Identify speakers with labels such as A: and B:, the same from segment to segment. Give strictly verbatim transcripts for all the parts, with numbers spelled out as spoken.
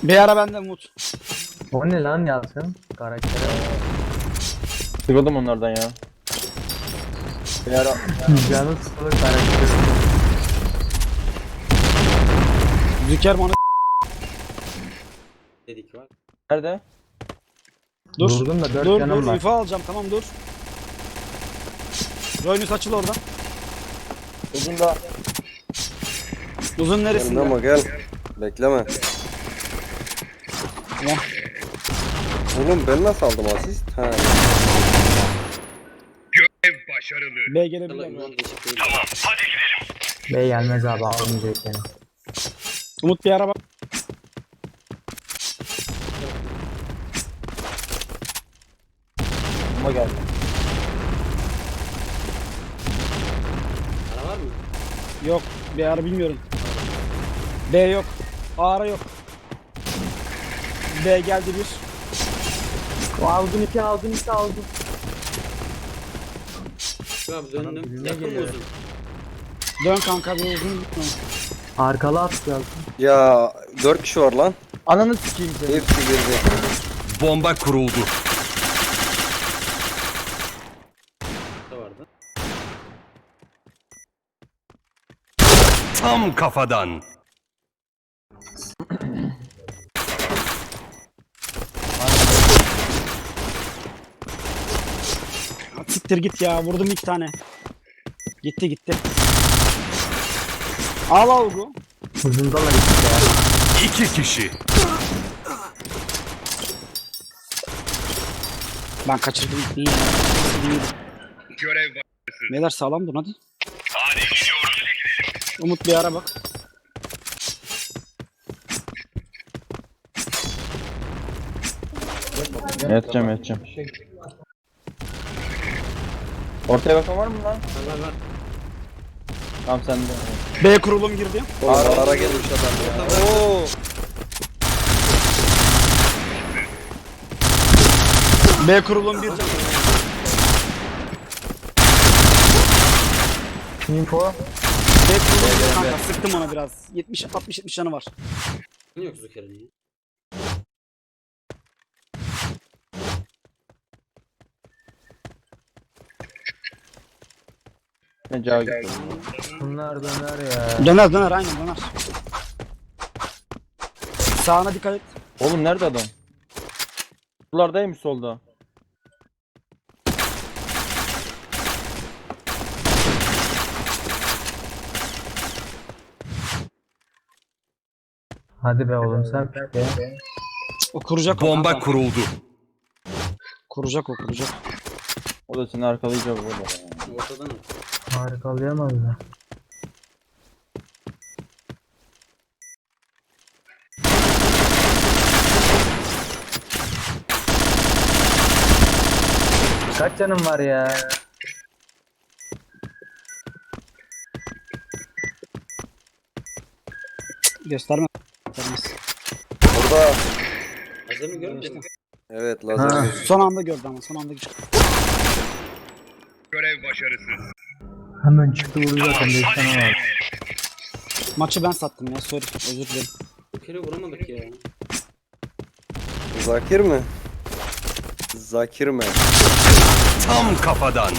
A: Bir ara bende Umut.
B: O ne lan Yalçın? Karaktere.
C: Sıkıldım onlardan ya. Bir ara
B: Canı sıkılır karakteri.
A: Zükerman'ı
D: Dedik var.
C: nerede?
A: dur.
B: Durdum da dört
A: Dur
B: canım
A: dur
B: var.
A: info alacağım, tamam dur. Roynus açıl oradan.
C: Uzun da
A: Uzun
E: Gelme
A: neresinde?
E: ama gel. Bekleme.
A: Tamam.
E: Oğlum ben nasıl aldım asist? Ha.
A: B gelebilir mi?
D: Ulan değişik değil.
B: Bey gelmez abi almayacak yani.
A: Umut bir ara bak.
C: ama geldi.
D: Ara var mı?
A: Yok. Bir ara bilmiyorum. B yok. A ara yok. B geldi bir.
B: Aldım iki aldım iki aldım.
D: Şu abi döndüm.
B: bilme
D: Yakın mı
B: geliyor.
D: uzun?
A: Dön kanka bir uzun gitme.
B: Arkalı at Yalçın.
E: Ya dört kişi var lan.
C: Ananı sikeyim seni.
E: Hepsi girdi.
F: Bomba kuruldu.
D: Da vardı.
F: Tam kafadan.
A: Siktir git ya, vurdum iki tane. Gitti gitti. Al Avgu.
B: Uzundalar işte ya.
F: İki kişi.
A: Ben kaçırdım. İyi. İyi. Neler sağlam dur hadi. Umut bir ara bak.
C: Yatacağım yatacağım. Ortaya bakan var mı lan?
D: Var var var.
C: Tamam sen de.
A: B kurulum girdi.
E: Oğlum ara gelmiş adam ya. Oo.
A: B kurulum bir can.
B: Info.
A: B kurulum bir kanka, sıktım ona biraz. yetmiş altmış yetmiş canı var.
D: Ne yok Zuker'in ya?
C: Ne cağı gitti.
B: Bunlar döner ya.
A: Döner döner aynen döner. Sağına dikkat et.
C: Oğlum nerede adam? Sulardaymış solda.
B: Hadi be oğlum sen be.
A: O kuracak o
F: Bomba
A: kanka.
F: kuruldu.
A: Kuracak o kuracak.
C: O da seni arkalayacak burada.
D: Ortadan at.
B: Harikalayamaz mı? Kaç canım var ya?
A: Gösterme. Göstermez.
E: Burada.
D: Hazır mı görmüştün?
E: Evet
B: Ha.
E: lazer.
A: Son anda gördü ama son anda çıktı.
B: Hemen çıktı vurdu zaten beş tane var.
A: Maçı ben sattım ya, sorry, özür dilerim.
D: Zuker'e vuramadık ya.
E: Zakir mi? Zakir mi?
F: Tam kafadan.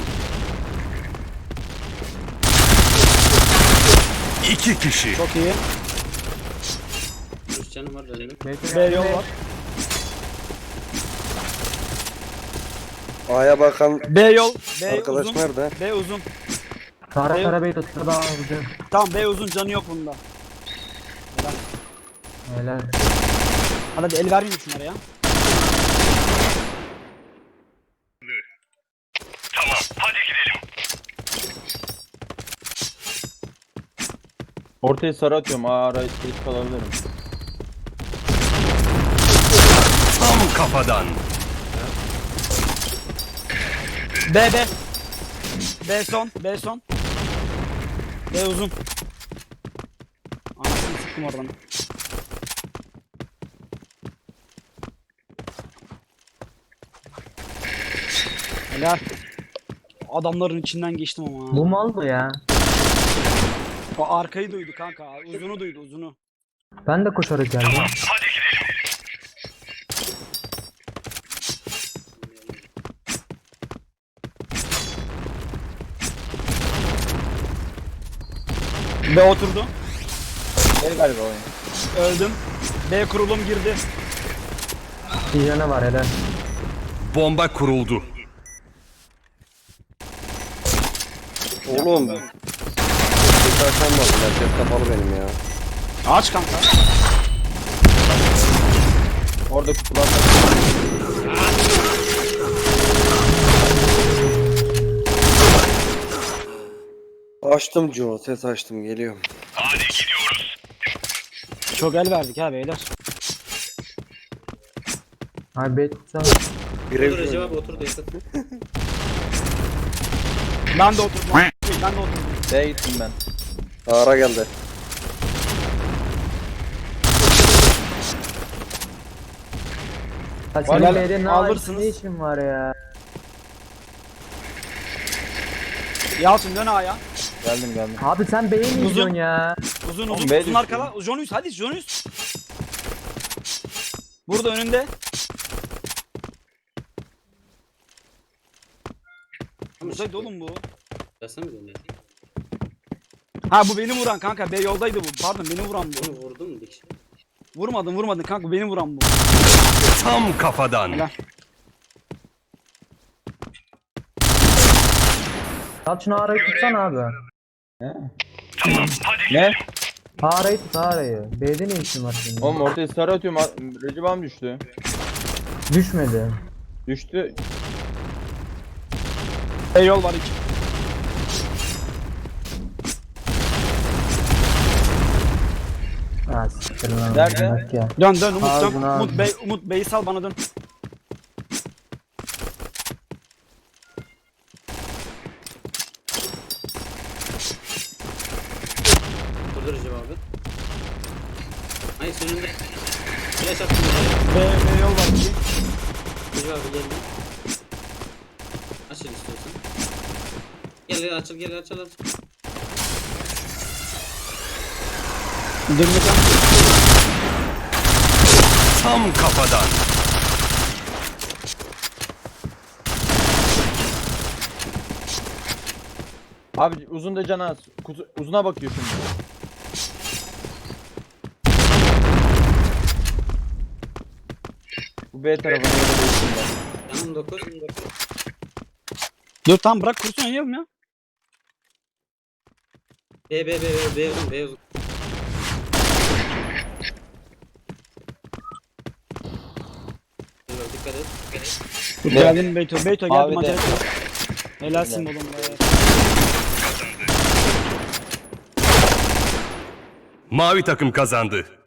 F: İki kişi.
A: Çok iyi.
D: Üç canım var döndüm.
A: B yol var.
E: A'ya bakan
A: B yol. B
E: arkadaş
A: uzun.
E: nerede?
A: B uzun.
B: Kara
A: Eyvah.
B: kara bey tuttu daha vurdu.
A: Tamam B uzun, canı yok bunda.
B: Helal.
A: Hadi hadi el vermeyin şunlara ya.
C: Ortaya sarı atıyorum. Aa ara geç kalabilirim.
F: Tam kafadan.
A: B B. B son. B son. B uzun. Anasını sıktım oradan. Helal. Adamların içinden geçtim ama.
B: Bu mal mı ya?
A: O arkayı duydu kanka. Uzunu duydu uzunu.
B: Ben de koşarak geldim.
F: Hadi gidelim.
A: B oturdu.
C: Ne galiba oyun?
A: Öldüm. B kurulum girdi.
B: Bir yana var helal.
F: Bomba kuruldu.
E: Oğlum. Hiç açamadım. Herkes kapalı benim ya.
A: Aç kanka.
C: Orada kutularda.
E: Açtım Joe. Ses açtım. Geliyorum.
A: Çok el verdik ha beyler.
B: Abi bet tutsana.
D: Otur
E: Grev
D: Recep abi otur da yakın.
A: Ben de oturdum. Ben de oturdum.
C: B'ye gittim ben.
E: Ara geldi.
B: Ha
A: Helal,
B: senin B'de ne
A: alırsınız.
B: ne işin var ya?
A: Yalçın dön A'ya.
C: Geldim geldim.
B: Abi sen B'ye mi
A: Uzun.
B: gidiyorsun ya?
A: Uzun
C: Oğlum,
A: uzun
C: B
A: uzun
C: düştü.
A: arkala. Jonus hadi Jonus. Burada önünde. Buradaydı oğlum bu.
D: Gelsene mi dönüyor?
A: Ha bu beni vuran kanka. B yoldaydı bu. Pardon beni vuran bu.
D: Onu vurdun mu bir kişi?
A: Vurmadın vurmadın kanka beni vuran bu.
F: Tam kafadan.
A: Helal.
B: Al şunu arayı tutsana abi.
C: Ne?
B: Arayı tut arayı. B'de ne işin var senin?
C: Oğlum ortaya sarı atıyorum. Recep abim düştü.
B: Düşmedi.
C: Düştü.
A: B yol var iki.
B: Ha siktir lan.
C: Nerede?
B: Bak ya.
A: Dön dön Umut dön.
B: Ağzına
A: Umut
B: ağzına.
A: Bey Umut Bey'i sal bana dön.
D: Otur Recep abi. Hayır senin de. Flash attım ya.
A: B, B yol var iki.
D: Recep abi geldi. Açıl istiyorsan. Gel gel açıl gel açıl açıl.
A: Dönmeyeceğim.
F: Tam kafadan.
C: Abi uzun da cana az. Kutu, uzuna bakıyor şimdi. Bu B tarafına göre değiştim ben.
D: Yanım dokuz.
A: Dur tamam bırak kursun oynayalım ya.
D: B B B B B uzun B uzun. Dur, dikkat et. Dikkat et.
A: Dur geldim Beyto. Beyto geldim
C: Abi de.
A: acele et. Helalsin oğlum be.
F: Mavi takım kazandı.